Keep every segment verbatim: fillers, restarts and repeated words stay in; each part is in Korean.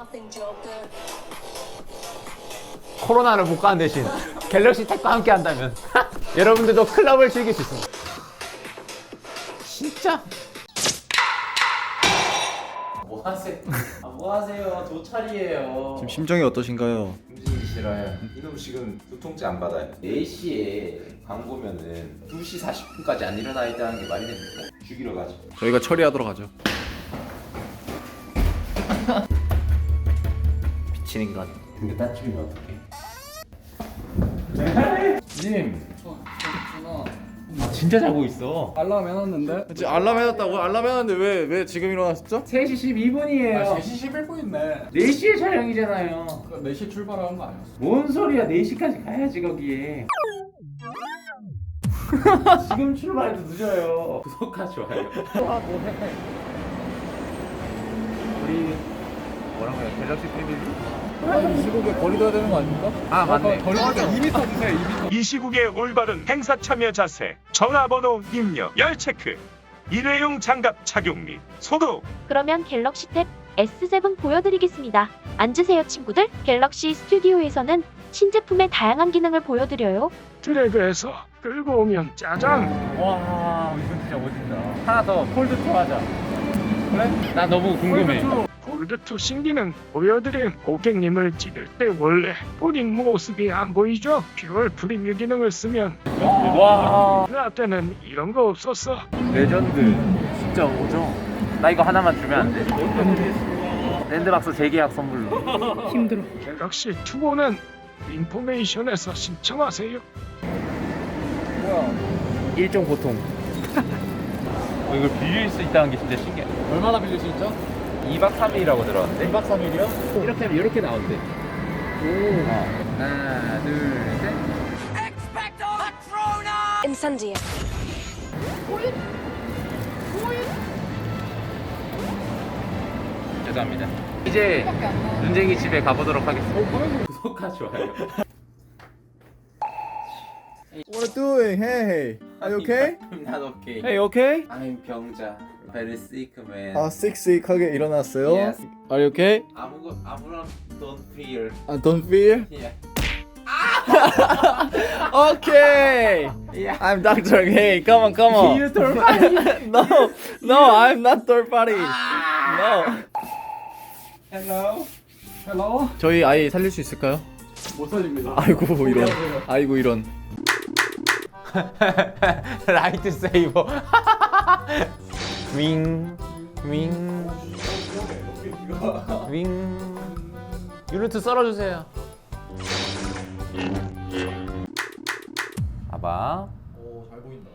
코로나를 못 가는 대신 갤럭시 탭과 함께 한다면 여러분들도 클럽을 즐길 수 있습니다. 진짜? 뭐 하세요? 아, 뭐 하세요? 도찰이에요. 지금 심정이 어떠신가요? 움직이기 싫어요. 이놈 지금 두통째 안 받아요. 네 시에 광고면은 두 시 사십 분까지 안 일어나 있다는 게 말이 됩니까? 죽이러 가죠. 저희가 처리하도록 하죠. 미친 인간. 근데 따쯤이면 어떡해? 님! 아 진짜 자고 있어. 알람 해놨는데? 지금 알람 해놨다고? 알람 해놨는데 왜, 왜 지금 일어났었죠? 세 시 십이 분이에요. 아, 세 시 십일 분 있네. 네 시에 촬영이잖아요. 네 시 출발하는 거 아니었어? 뭔 소리야? 네 시까지 가야지 거기에. 지금 출발해도 늦어요. 구독과 좋아요. 아 뭐해? 우리 뭐라고요? 갤럭시 패밀리? 이 시국에 거리 둬야 되는 거 아닙니까? 아 맞네. 거리 두니까 이 미터 주세요. 이 미터. 이 시국의 올바른 행사 참여 자세, 전화번호 입력, 열 체크, 일회용 장갑 착용 및 소독. 그러면 갤럭시 탭 에스 세븐 보여드리겠습니다. 앉으세요 친구들. 갤럭시 스튜디오에서는 신제품의 다양한 기능을 보여드려요. 드래그해서 끌고 오면 짜잔. 와 이건 진짜 멋있다. 하나 더 폴드 투 하자. 그래? 나 너무 궁금해. 폴드투 신기능 보여드림. 고객님을 찍을 때 원래 본인 모습이 안 보이죠? 듀얼 프리뷰 기능을 쓰면 와 나 때는 이런 거 없었어. 레전드. 진짜 오죠. 나 이거 하나만 주면 안 돼? 랜드박스 재계약 선물로. 힘들어. 갤럭시 투오는 인포메이션에서 신청하세요. 뭐야? 일종 보통. 어, 이걸 빌릴 수 있다는 게 진짜 신기해. 얼마나 빌릴 수 있죠? 이 박 삼 일이라고 들었는데. 이 박 삼 일이요? 이렇게 하면 이렇게 나온대. 오. 어. 하나, 둘, 셋. 인산지에. 죄송합니다. 이제 눈쟁이 집에 가보도록 하겠습니다. 구독과 좋아요. What are you doing? Hey, are you okay? I'm not okay. Hey, okay? I'm 병자. Very sick man. 아, 씩씩하게 일어났어요. Yes. Are you okay? 아무거 아무런 don't fear. I don't feel. Yeah. Okay. Yeah. I'm Doctor Hey, come on, come on. You third party. no, no, I'm not third party. No. Hello. 헬로? 저희 아이 살릴 수 있을까요? 못 살립니다. 아이고 이런. 아이고 이런. 라이트 세이버. 윙, 윙, 윙. 유니트 썰어주세요. 봐봐. 오, 잘 보인다.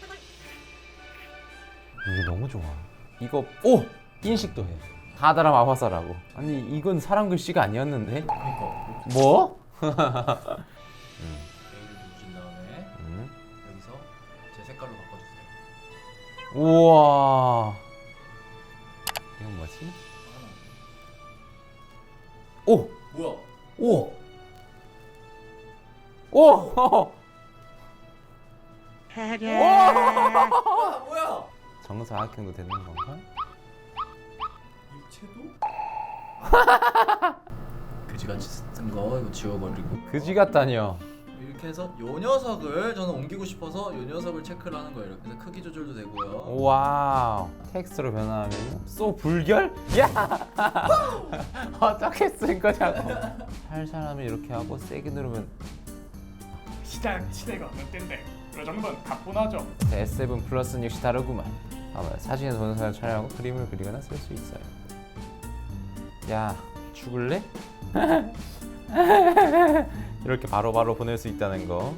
이게 너무 좋아. 이거 오 인식도 해. 하다라 마화사라고. 아니 이건 사람 글씨가 아니었는데. 그러니까. 뭐? A를 누르신 다음에 음. 여기서 제 색깔로 바꿔주세요. 우와. 이건 뭐지? 오, 뭐야? 오, 오. 뭐야? 정사각형도 되는 건가? 입체도? 그지같이 쓴 거 이거 지워버리고 그지 같다니요. 이렇게 해서 요 녀석을 저는 옮기고 싶어서 요 녀석을 체크를 하는 거예요. 그래서 크기 조절도 되고요. 와우. 텍스트로 변화하면 쏘 불결? 야. 어떻게 쓴 거냐고. 할 사람이 이렇게 하고 세게 누르면 시작 시대가 어느 때인데 그 정도는 가뿐하죠. 에스 세븐 플러스는 역시 다르구만. 봐봐요. 사진에 동영상을 촬영하고 그림을 그리거나 쓸 수 있어요. 야 죽을래? 이렇게 바로바로 바로 보낼 수 있다는 거.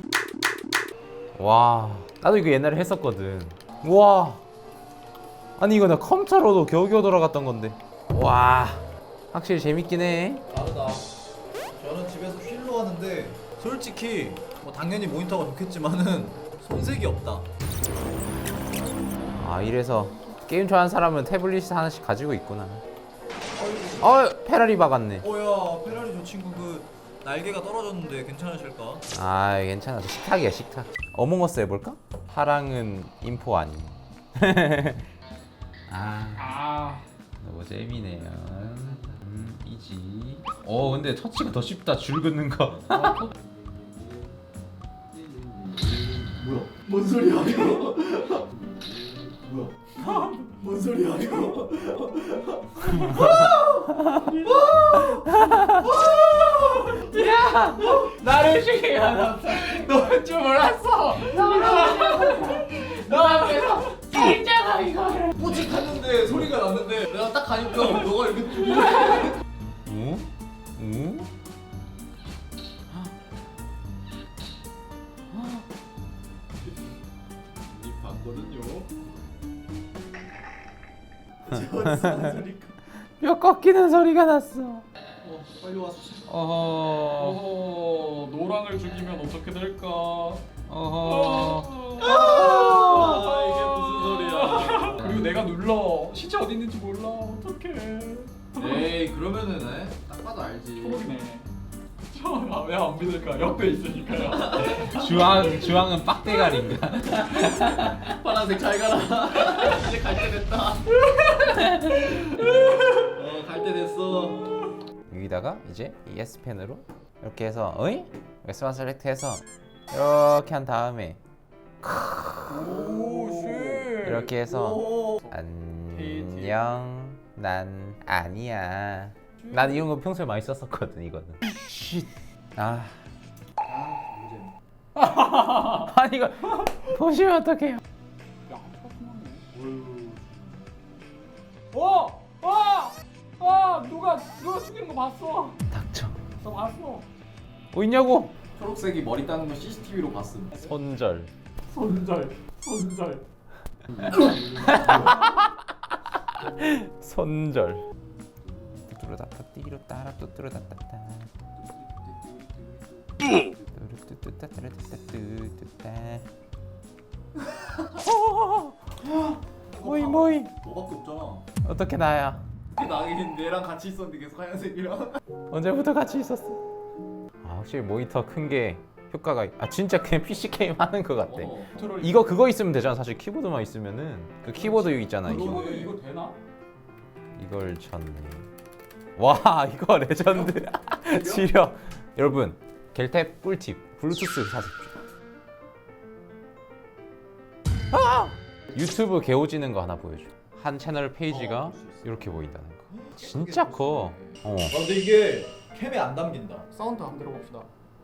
와 나도 이거 옛날에 했었거든. 와 아니 이거 나 컴퓨터로도 겨우겨우 돌아갔던 건데. 와 확실히 재밌긴 해. 다르다. 저는 집에서 휠로 하는데 솔직히 뭐 당연히 모니터가 좋겠지만은 손색이 없다. 아 이래서 게임 좋아하는 사람은 태블릿 하나씩 가지고 있구나. 어 페라리 박았네. 오야 페라리 저 친구 그 날개가 떨어졌는데 괜찮으실까? 아 괜찮아. 식탁이야 식탁. 어몽어스 해볼까? 파랑은 인포 아님. 아 아 너무 재미네요. 음 이지. 어 근데 터치가 더 쉽다. 줄 긋는 거. 뭐야? 뭔 소리야 이거? 뭐야? 뭔 소리야 이거? 나를 쉬게 하나. 너는 줄 몰랐어. 너 앞에서 진짜가 이거. 뿌직했는데 소리가 났는데 내가 딱 가니까 너가 이렇게 응? 응? 뼈 꺾이는 소리가 났어. 어, 빨리 와서. 어허. 어허, 노랑을 죽이면 어떻게 될까? 어허. 아, 이게 무슨 소리야? 그리고 내가 눌러 시체 어디 있는지 몰라. 어떡해. 에이 그러면은 에? 딱 봐도 알지. 초록이네. 왜 안 믿을까? 옆에 있으니까요. 주황 주황은 빡대가리인가? 파란색 잘 가라. 이제 갈 때 됐다. 어, 갈 때 됐어. 여기다가 이제 이 S 펜으로 이렇게 해서 어이? 웨스만 셀렉트해서 이렇게 한 다음에 오, 쉣. 이렇게 해서 오. 안녕 난 아니야. 난 이런 거 평소에 많이 썼었거든 이거는. 쉿. 아. 아니 이거 보시면 어떡해요? 야, 어! 어! 어! 누가 누가 죽이는 거 봤어? 닥쳐. 나 봤어. 뭐 있냐고? 초록색이 머리 따는 거 씨씨티비로 봤음. 손절. 손절. 손절. 손절. 뚜루다따 띠로 따라 뚜뚜루다따따. 모이 모이. 너밖에 없잖아. 어떻게 나야? 나긴 얘랑 같이 있었는데 계속 하얀색이랑. 언제부터 같이 있었어? 아 확실히 모니터 큰 게 효과가 아 진짜 그냥 피씨 게임 하는 것 같아. 어. 이거 그거 있으면 되잖아. 사실 키보드만 있으면은 그 키보드 여기 있잖아. 그러네. 이거. 이거 이거 되나? 이걸 쳤네. 와 이거 레전드. 지려. 여러분 겔탭 꿀팁. 블루투스 사십시오. 아! 유튜브 개오지는 거 하나 보여줘. 한 채널 페이지가 어, 볼수 있어. 이렇게 보인다는 거. 진짜 커. 어. 아 근데 이게 캠에 안 담긴다. 사운드 한번 들어봅시다.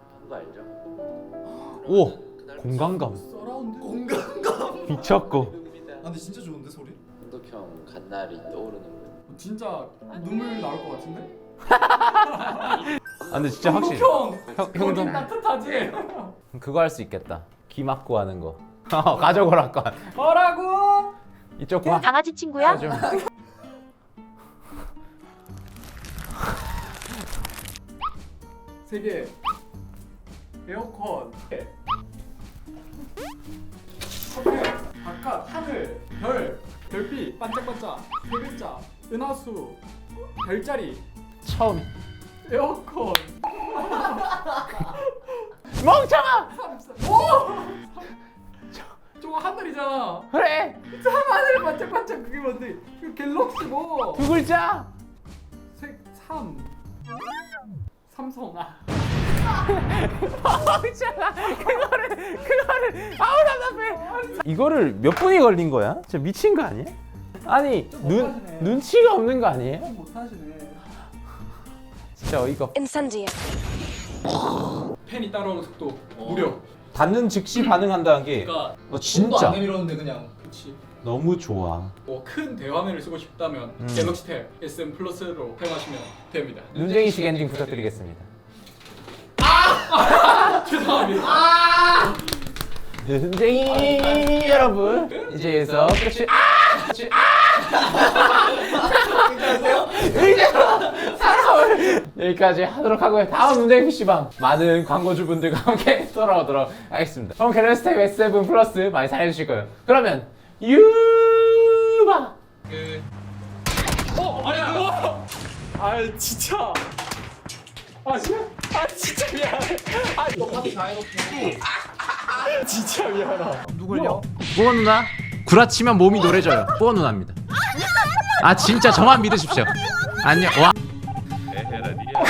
오 공간감 서라운드. 공간감. 미쳤고. 아 근데 진짜 좋은데 소리? 한국형 갓날이 떠오르는 거. 진짜 눈물 나올 것 같은데? 아 근데 진짜 확실히 형, 형- 형 형도- 좀 따뜻하지? 그거 할 수 있겠다. 귀 막고 하는 거. 가져오라 건. 뭐라고? 이쪽 봐. 강아지 친구야? 좀. 세계 에어컨 커피 바깥 하늘 별 별빛 반짝반짝 세 글자 은하수 별자리 처음. 에어컨 멍청아. 오! 저거 하늘이잖아. 그래. 하늘 반짝반짝 그게 뭔데? 그 갤럭시 뭐? 두 글자. 색 삼 삼성 아 멍청아. 그거를 그거를 아우 답답해. 이거를 몇 분이 걸린 거야? 진짜 미친 거 아니야? 아니 눈 못하시네. 눈치가 없는 거 아니에요? 못하시네. 진짜 어이가 없. 인산지야. 펜이 따라오는 속도 무려. 닿는 즉시 반응한다는 게 그러니까 어, 손도 진짜 안 내밀었는데 그냥. 그렇지. 너무 좋아. 뭐 큰 대화면을 쓰고 싶다면 음. 갤럭시 탭 에스엠 플러스로 사용하시면 됩니다. 눈쟁이식 엔딩 부탁드리겠습니다. 죄송합니다. 눈쟁이 여러분 이제서 끝이 여기까지 하도록 하고요. 다음 눈쟁이 피씨방 많은 광고주분들과 함께 돌아오도록 하겠습니다. 그럼 갤럭시 탭 에스 세븐 플러스 많이 사랑해주실 거예요. 그러면 유바 어 아니야. 어. 아 진짜. 아 진짜. 아 진짜 미안해. 아 똑같이 다 해놓고. 진짜 미안하다. 누굴요? 뽀어 누나 구라치면 몸이 노래져요. 뽀어 누나입니다. 아 진짜 저만 믿으십시오. 안녕. 와.